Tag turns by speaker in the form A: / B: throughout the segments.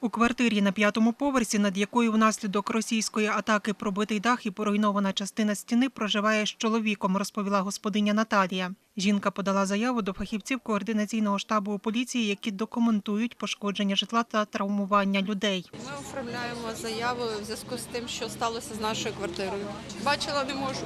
A: У квартирі на 5-му поверсі, над якою внаслідок російської атаки пробитий дах і поруйнована частина стіни, проживає з чоловіком, розповіла господиня Наталія. Жінка подала заяву до фахівців координаційного штабу у поліції, які документують пошкодження житла та травмування людей.
B: Ми оформляємо заяву в зв'язку з тим, що сталося з нашою квартирою. Бачила не можу.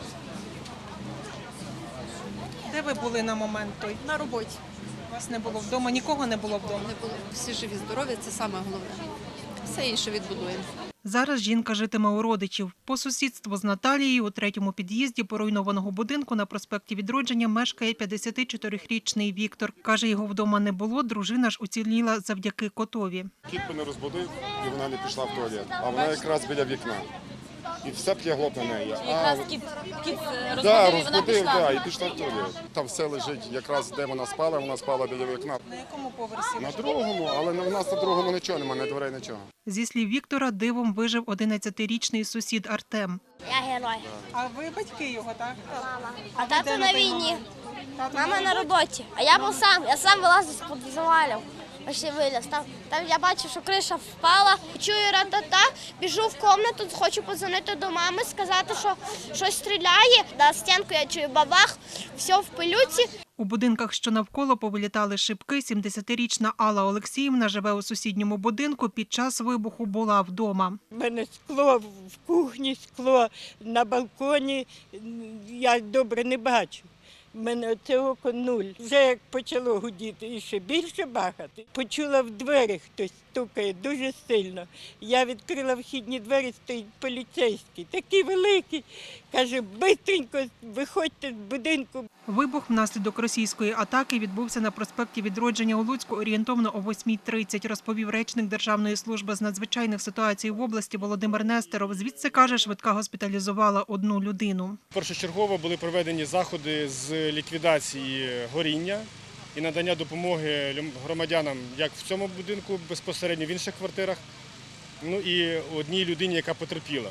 A: Де ви були на момент той?
B: На роботі.
A: Вас не було вдома, нікого не було вдома?
B: Не було. Всі живі, здорові, це саме головне. Все інше відбудуємо.
A: Зараз жінка житиме у родичів. По сусідству з Наталією у 3-му під'їзді поруйнованого будинку на проспекті Відродження мешкає 54-річний Віктор. Каже, його вдома не було, дружина ж уціліла завдяки котові.
C: Кіт мене розбудив, і вона не пішла в туалет. А вона якраз біля вікна. І все п'ягло на неї.
D: Якраз кіт розбудив, і вона пішла.
C: І пішла в туалет. Там все лежить, якраз де вона спала біля вікна.
A: На якому поверсі?
C: На другому, але в нас на другому нічого немає, ні дверей, нічого.
A: Зі слів Віктора, дивом вижив 11-річний сусід Артем.
E: Я герой.
A: А ви батьки його, так?
E: Мама. А тато на війні. Мама на роботі. А я був сам. Я сам вилазив з-під завалів. Почти виліз. Там я бачив, що криша впала. Чую ра-та-та, біжу в кімнату, хочу подзвонити до мами, сказати, що щось стріляє. На стінку я чую бабах, все в пилюці.
A: У будинках, що навколо, повилітали шибки. 70-річна Алла Олексіївна живе у сусідньому будинку. Під час вибуху була вдома.
F: У мене скло в кухні, скло на балконі. Я добре не бачу. У мене це око 0. Вже як почало гудіти і ще більше бахати. Почула в двері хтось стукає дуже сильно. Я відкрила вхідні двері, стоїть поліцейський, такий великий. Каже, бистренько виходьте з будинку.
A: Вибух внаслідок російської атаки відбувся на проспекті Відродження у Луцьку орієнтовно о 8:30, розповів речник Державної служби з надзвичайних ситуацій в області Володимир Нестеров. Звідси, каже, швидка госпіталізувала одну людину.
G: Першочергово були проведені заходи з ліквідації горіння і надання допомоги громадянам як в цьому будинку, безпосередньо в інших квартирах, ну і одній людині, яка потерпіла.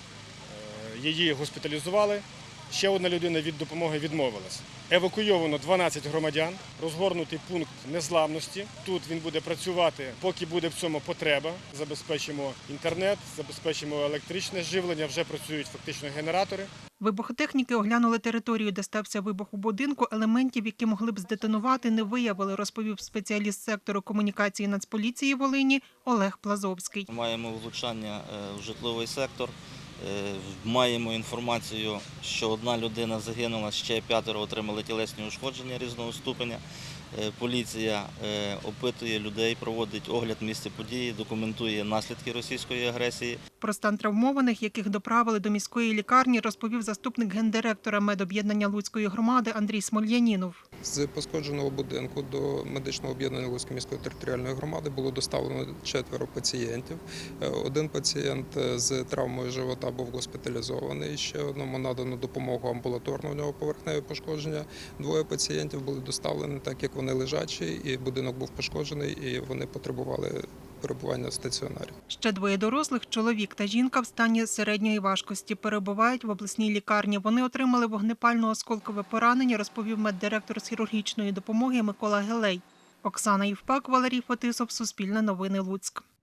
G: Її госпіталізували. Ще одна людина від допомоги відмовилась. Евакуйовано 12 громадян, розгорнутий пункт незламності. Тут він буде працювати, поки буде в цьому потреба. Забезпечимо інтернет, забезпечимо електричне живлення, вже працюють фактично генератори.
A: Вибухотехніки оглянули територію, де стався вибух у будинку. Елементів, які могли б здетонувати, не виявили, розповів спеціаліст сектору комунікації Нацполіції Волині Олег Плазовський.
H: Маємо влучання в житловий сектор. Маємо інформацію, що одна людина загинула, ще 5 отримали тілесні ушкодження різного ступеня. Поліція опитує людей, проводить огляд місця події, документує наслідки російської агресії.
A: Про стан травмованих, яких доправили до міської лікарні, розповів заступник гендиректора медоб'єднання Луцької громади Андрій Смольянінов.
I: З пошкодженого будинку до медичного об'єднання Луцької міської територіальної громади було доставлено 4 пацієнтів. Один пацієнт з травмою живота був госпіталізований, ще одному надано допомогу амбулаторно, у нього поверхневе пошкодження. 2 пацієнтів були доставлені, так як вони лежачі, і будинок був пошкоджений, і вони потребували перебування в стаціонарі.
A: Ще 2 дорослих, чоловік та жінка в стані середньої важкості, перебувають в обласній лікарні. Вони отримали вогнепально-осколкове поранення, розповів меддиректор з хірургічної допомоги Микола Гелей. Оксана Євпак, Валерій Фетисов, Суспільне новини, Луцьк.